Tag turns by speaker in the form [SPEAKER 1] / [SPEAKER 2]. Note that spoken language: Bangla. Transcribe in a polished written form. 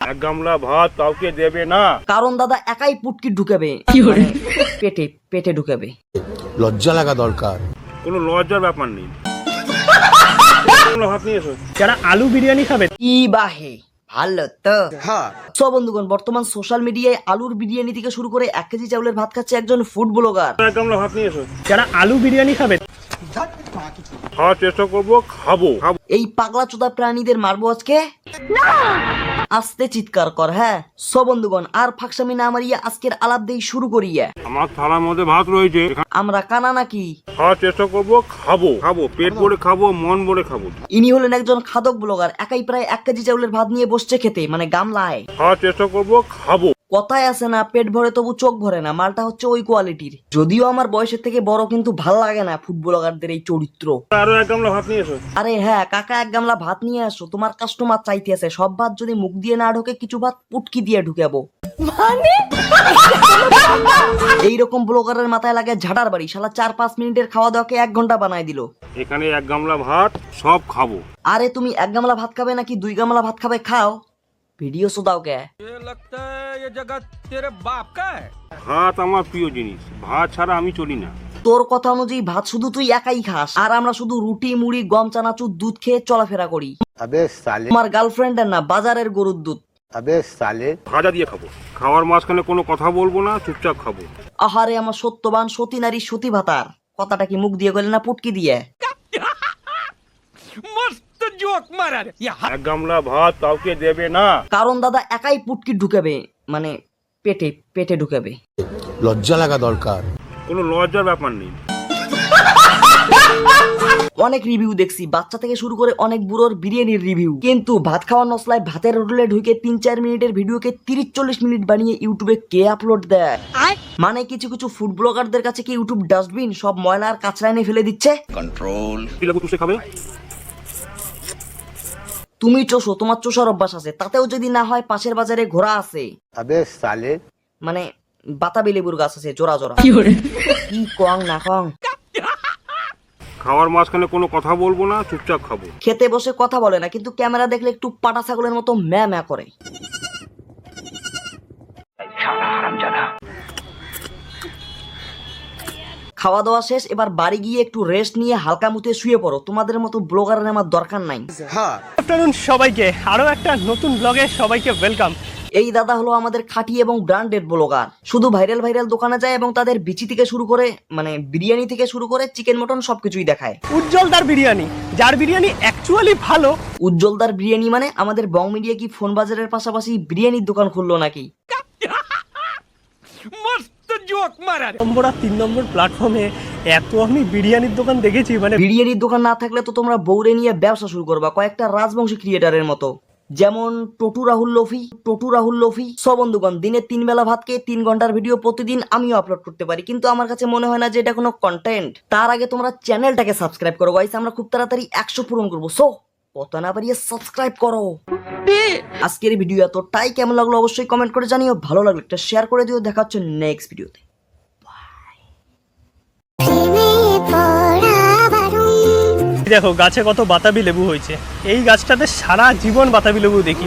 [SPEAKER 1] এক গামলা ভাত কাউকে দেবে না,
[SPEAKER 2] কারণ দাদা একাই পুটকি ঢুকাবে, পেটে পেটে ঢুকাবে।
[SPEAKER 3] লজ্জা লাগা দরকার।
[SPEAKER 1] কোনো লজ্জার ব্যাপার নেই। ভাত নিয়ে এসো।
[SPEAKER 4] যারা আলু বিরিয়ানি খাবে
[SPEAKER 2] কি বাহে ভালো তো। সব বন্ধুগণ, বর্তমান সোশ্যাল মিডিয়ায় আলুর বিরিয়ানি থেকে শুরু করে 1 কেজি চাউলের ভাত খাচ্ছে একজন ফুড ব্লগার।
[SPEAKER 1] এক গামলা ভাত নিয়ে এসো।
[SPEAKER 4] যারা আলু বিরিয়ানি খাবে
[SPEAKER 1] খাওয়ার চেষ্টা করবো, খাবো।
[SPEAKER 2] এই পাগলা চোদা প্রাণীদের মারবো আজকে। আস্তে চিৎকার কর। হ্যাঁ সব বন্ধুগণ, আর ফাঁকসামি না মারিয়া আজকের আলাপ দেই শুরু করিয়া।
[SPEAKER 1] আমার থালার মধ্যে ভাত রয়েছে,
[SPEAKER 2] আমরা কানা নাকি?
[SPEAKER 1] খাওয়ার চেষ্টা করবো, খাবো। পেট ভরে খাবো, মন ভরে খাবো।
[SPEAKER 2] ইনি হলেন একজন খাদক ব্লগার, একাই প্রায় 1 কেজি চাউলের ভাত নিয়ে বসছে খেতে, মানে গামলায়।
[SPEAKER 1] খাওয়ার চেষ্টা করবো, খাবো।
[SPEAKER 2] কথায় আছে না, পেট ভরে তবু চোখ ভরে না। মালটা হচ্ছে ওই কোয়ালিটির। যদিও আমার বয়সের থেকে বড়, কিন্তু ভাল লাগে না ফুড ব্লগারদের এই চরিত্র।
[SPEAKER 1] আরো এক গামলা ভাত নিয়ে এসো।
[SPEAKER 2] আরে হ্যাঁ কাকা, 1 গামলা ভাত নিয়ে আসো, তোমার কাস্টমার চাইতে আছে। সব ভাত যদি মুখ দিয়ে না ঢোকে, কিছু ভাত পুটকি দিয়ে ঢুকাবো। এইরকম ব্লগারের মাথায় লাগে ঝাড়ার বাড়ি। শালা 4-5 মিনিটের খাওয়া দাওয়াকে 1 ঘন্টা বানায় দিল।
[SPEAKER 1] এখানে এক গামলা ভাত, সব খাবো।
[SPEAKER 2] আরে তুমি 1 গামলা ভাত খাবে নাকি 2 গামলা ভাত খাবে? খাও, ভিডিও শোধাও কে?
[SPEAKER 1] ভাত আমার প্রিয় জিনিস, ভাত ছাড়া আমি চলি না।
[SPEAKER 2] তোর কথা অনুযায়ী ভাত শুধু তুই একাই খাস, আর আমরা শুধু রুটি মুড়ি গম চানাচুর দুধ খেয়ে চলাফেরা করি।
[SPEAKER 3] আবে সালে,
[SPEAKER 2] তোমার গার্লফ্রেন্ডের না, বাজারের গরুর দুধ।
[SPEAKER 3] আবে সালে।
[SPEAKER 1] ভাজা দিয়ে খাবো। খাওয়ার মাঝখানে কোনো কথা বলবো না, চুপচাপ খাবো।
[SPEAKER 2] আহারে আমার সত্যবান সতী নারী সতী ভাতার। কথাটা কি মুখ দিয়ে গেলে না পুটকি দিয়ে?
[SPEAKER 1] এক গামলা ভাত কাউকে দেবে না,
[SPEAKER 2] কারণ দাদা একাই পুটকি ঢুকাবে, মানে পেটে পেটে ঢুকাবে।
[SPEAKER 3] লজ্জা লাগা দরকার।
[SPEAKER 1] কোনো লজ্জার ব্যাপার নেই।
[SPEAKER 2] অনেক রিভিউ দেখছি, বাচ্চা থেকে শুরু করে অনেক বুড়োর বিরিয়ানির রিভিউ, কিন্তু ভাত খাওয়ার নসলায় ভাতের হোটেলে ঢুকে 3-4 মিনিটের ভিডিওকে 30-40 মিনিট বানিয়ে ইউটিউবে কে আপলোড দেয়? মানে কিছু কিছু ফুড ব্লগারদের কাছে কি ইউটিউব ডাস্টবিন? সব ময়লা আর কাঁচরা এনে ফেলে দিচ্ছে।
[SPEAKER 1] চুষে খাবে।
[SPEAKER 2] তুমি চোষো, তোমার চোষার অভ্যাস আছে, তাতেও যদি না হয় পাশের বাজারে ঘোড়া আছে,
[SPEAKER 3] আবে সালে।
[SPEAKER 2] মানে বাতাবি লেবুর গাছ আছে জোড়া জোড়া। কি কং না কং?
[SPEAKER 1] খাওয়ার মাঝখানে কোনো কথা বলবো না, চুপচাপ খাবো।
[SPEAKER 2] খেতে বসে কথা বলে না, কিন্তু ক্যামেরা দেখলে একটু পাটা ছাগলের মতো ম্যা ম্যা করে। খাওয়া দাওয়া শেষ, এবার বাড়ি গিয়ে একটু রেস্ট নিয়ে হালকা মুতে শুয়ে পড়ো। তোমাদের মতো ব্লগারের আমার দরকার নাই।
[SPEAKER 4] আফটারনুন সবাইকে, আরো একটা নতুন ব্লগে সবাইকে ওয়েলকাম।
[SPEAKER 2] এই দাদা হলো আমাদের খাঁটি এবং ব্র্যান্ডেড ব্লগার। শুধু ভাইরাল ভাইরাল দোকানে যায় এবং তাদের বিচি থেকে শুরু করে, মানে বিরিয়ানি থেকে শুরু করে চিকেন মটন সবকিছুই দেখায়।
[SPEAKER 4] উজ্জ্বলদার বিরিয়ানি, যার বিরিয়ানি অ্যাকচুয়ালি ভালো।
[SPEAKER 2] উজ্জ্বলদার বিরিয়ানি মানে আমাদের বং মিডিয়া কি ফোন বাজারের পাশাপাশি বিরিয়ানির দোকান খুললো নাকি?
[SPEAKER 4] নম্বর আর 3 নম্বর প্ল্যাটফর্মে এত আমি বিরিয়ানির দোকান দেখেছি, মানে
[SPEAKER 2] বিরিয়ানির দোকান না থাকলে তো তোমরা বউরে নিয়ে ব্যবসা শুরু করবা, কয়েকটা রাজবংশী ক্রিয়েটারের মতো, যেমন টটু রাহুল লফি। সব বন্ধুগণ, দিনে 3 বেলা ভাত খেয়ে 3 ঘন্টার ভিডিও প্রতিদিন আমিও আপলোড করতে পারি, কিন্তু আমার কাছে মনে হয় না যে এটা কোনো কন্টেন্ট। তার আগে তোমরা চ্যানেলটাকে সাবস্ক্রাইব করো গাইস, আমরা খুব তাড়াতাড়ি 100 পূরণ করবো। সো কথা না বাড়িয়ে সাবস্ক্রাইব করো। আজকের ভিডিও এতটাই, কেমন লাগলো অবশ্যই কমেন্ট করে জানিও। ভালো লাগলো একটা শেয়ার করে দিও। দেখা হচ্ছে নেক্সট ভিডিওতে।
[SPEAKER 4] দেখো গাছে কত বাতাবি লেবু হয়েছে। এই গাছটাতে সারা জীবন বাতাবি লেবু দেখি।